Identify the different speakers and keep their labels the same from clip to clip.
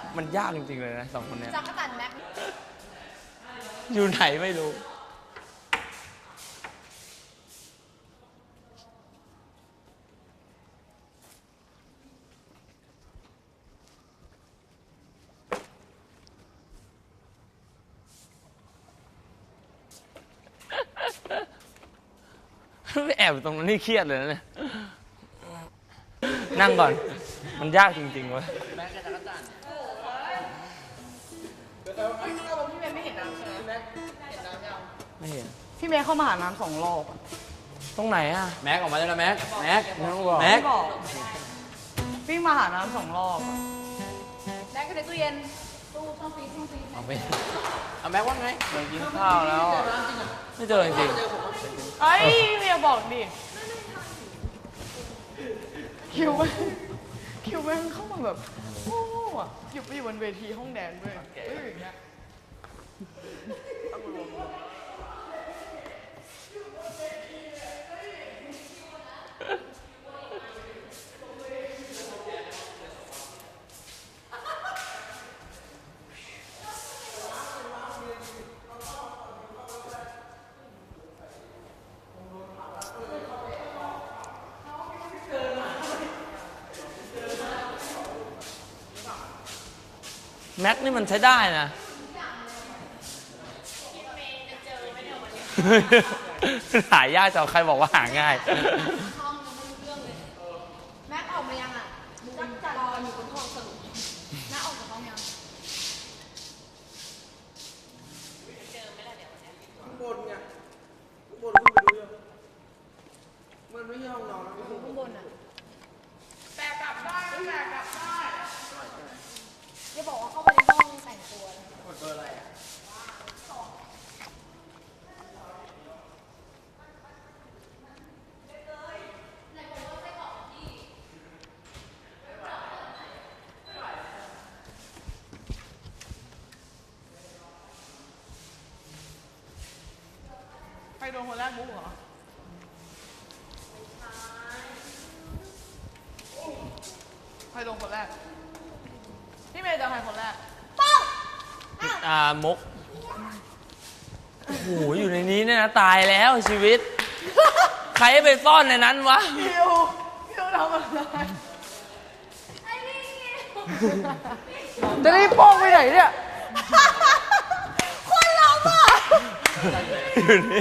Speaker 1: มันยากจริงๆเลยนะสองคนเนี้ย
Speaker 2: จักรจันทร์แม็ก
Speaker 1: อยู่ไหนไม่รู้ไม่แอบตรงนั้นนี่เครียดเลยนะเนี่ยนั่งก่อนมันยากจริงๆเว้ย
Speaker 2: พี่เมย์ไม่เห็นน้ำใช่ไหมเห็นน้ำยัง
Speaker 1: ไม่เห็น
Speaker 3: พี่เมย์เข้ามาหาน้ำ2 รอบ
Speaker 1: ตรงไหนอ่ะ
Speaker 4: แม็กออกมาแล้วนะแม็กแม็ก
Speaker 1: ไม่ต้องบอก
Speaker 4: แม็ก
Speaker 3: บอกวิ่งมาหาน้ำ2 รอบอะ
Speaker 2: แม็กก็ในตู้เย็นตู้ช่องฟรีซ
Speaker 4: เอาไปเอาแม็กว่าไง
Speaker 1: ไปกินข้าวแล้วอะไม่เจอจริง
Speaker 3: เอ้ยเมียบอกดิคิวแม่งเข้ามาแบบโอ้อะอยู่ไปอยู่บนเวทีห้องแดนด้วยอย่างเงี้ย
Speaker 1: แม็กนี่มันใช้ได้นะหายากจังใครบอกว่าหาง่าย
Speaker 2: ห้องยังไม่รู้เรื่องเลยแม็กออกมายังอ่ะจักรจันทร์รออยู่บนห้องสรุปแม็กออกจากห้องยัง
Speaker 4: ข้างบนไงข้างบนคุณไปดูยังมันไม่ใช่ห้องนอนนะ
Speaker 2: อยู่ข้างบนอ่ะ
Speaker 3: แต่กลับได้แต่กลับได้
Speaker 2: อย่าบอกว่าเข้าไปในห้องแต่งตัวนะ
Speaker 4: กดเบอร์อะไรอ่ะ
Speaker 3: ใครโดนคนแรกบุ๊กเหรอใครโดนคนแรกพี่เมย์เจอใครคนแรก
Speaker 1: มุกโอ้โหอยู่ในนี้เนี่ยนะตายแล้วชีวิต ใครไปซ่อนในนั้นวะ
Speaker 3: คิวทำอะไรจะรีบโป้งไปไหนเนี่ย
Speaker 2: คนเราอ่ะ
Speaker 1: อยู่นี่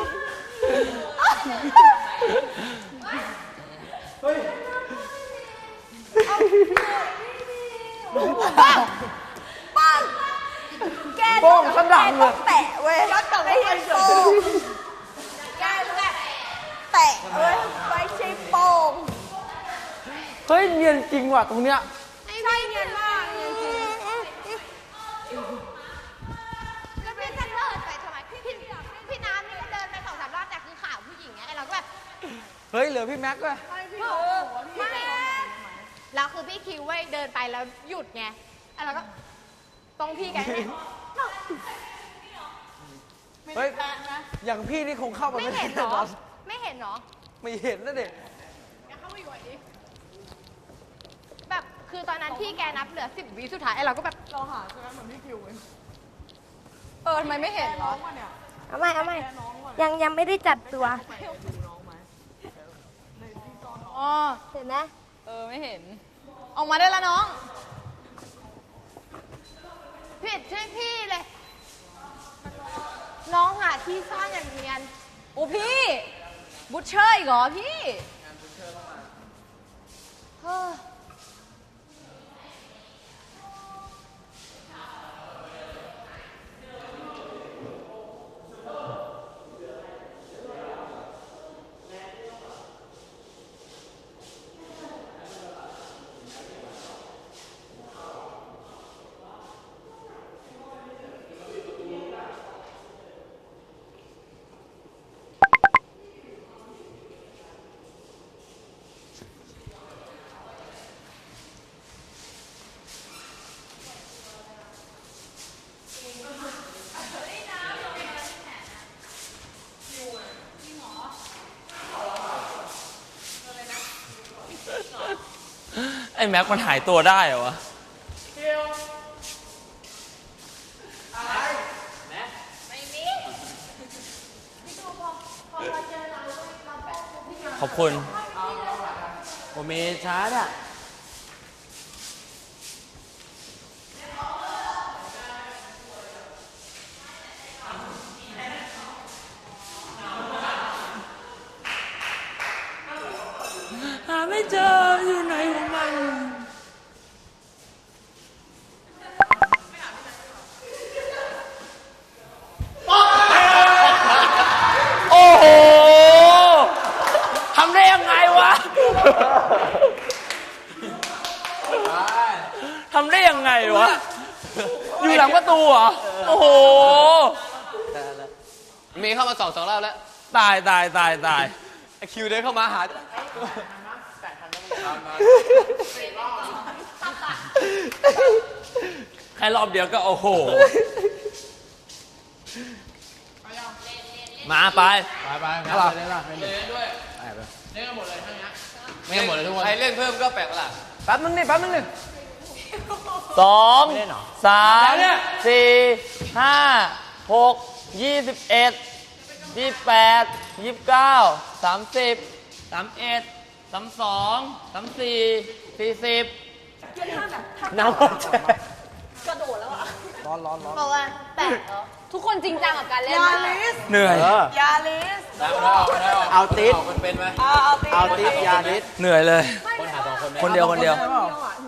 Speaker 2: ปังแก
Speaker 3: โป้งขนาดเลย
Speaker 2: แตะเว้ยไม่ใช่โป้งแกแบบแตะเว้ยไม่ใช่โป้ง
Speaker 1: เฮ้ยเนียนจริงว่ะตรงเนี้ย
Speaker 2: ไม่ใช่เงินมากเงินจริงแล้วพี่จะเลิศไปทำไมพี่น้ำนี่ก็เดินไป2-3 รอบแต่คือข่าวผู้หญิงไงเราก็แบบ
Speaker 1: เฮ้ยเหลือพี่แม็กซ์ว่ะ
Speaker 2: ไม่แล้วคือพี่คิวเว้ยเดินไปแล้วหยุดไงแล้วก็ตรงพี่แกเนี่ย
Speaker 1: เฮ้ยอย่างพี่นี่คงเข้ามา
Speaker 2: ไม่
Speaker 1: ไม่ได้
Speaker 2: เห็นเหร
Speaker 1: แน่น
Speaker 2: อ
Speaker 1: อน
Speaker 2: ไม่เห็นเหรอ
Speaker 1: ไม่เห็นนะเด็ก
Speaker 2: แบบคือตอนนั้นที่แกนับเหลือ10 วิสุดท้ายไอ้เราก็แบบ
Speaker 3: เราหาใช่ไหมเหมือนพี่คิวเลย
Speaker 2: ทำไมไม่เห็นเหรอ
Speaker 3: น้องมาเนี่ย
Speaker 5: เอาไม่
Speaker 3: แกน้องมา
Speaker 5: ยังไม่ได้จัดตัว
Speaker 3: ไปดูน้องไหมในที่ซ่อนน้อง
Speaker 2: อ๋อ
Speaker 5: เห็นไหม
Speaker 2: ไม่เห็น ออกมาได้แล้วน้องผิดช่วยพี่เลย น้องหาที่ซ่อนอย่างเนียนโอ้พี่บุชเชอร์อีกเหรอพี่เฮ้อ
Speaker 1: ไอ้แม็กมันหายตัวได้เหรอวะ
Speaker 3: คิว
Speaker 1: ขอบคุณ
Speaker 4: ผมมีชาร์จอ่ะ
Speaker 1: หาไม่เจออยู่ไหนของมัน โอ้โห ทำได้ยังไงวะ ทำได้ยังไงวะ อยู่หลังประตูเหรอ โอ้โห
Speaker 5: มีเข้ามาสองรอบแล้ว
Speaker 1: ตายตายตายตาย
Speaker 5: ไอคิวเดินเข้ามาหา
Speaker 1: แค่รอบเดียวก็โอ้โห มาไป
Speaker 5: ไปครับเล่นด้วยเล่นกันหมดเลยทั้งนี้ไม่หมดเลยทุกคนใครเล่นเพิ่มก็แปลกประหลาด
Speaker 4: แป๊บนึงนี่แป๊บนึงนี่
Speaker 1: 2 3 4 5 6 21 28 29 30 31 32 34 40
Speaker 4: น้ำมันจะ
Speaker 2: บอกว่าแปลกเหรอทุกคนจริงจังกับการเล่นมาก
Speaker 1: เหนื่อย
Speaker 3: ยาลิส
Speaker 4: เอาติด
Speaker 5: มันเป็นไหม
Speaker 3: เอาติ
Speaker 4: เอาติดยาดิส
Speaker 1: เหนื่อยเลย
Speaker 5: คนหา2 คน
Speaker 1: คนเดียวคนเดียว
Speaker 3: ย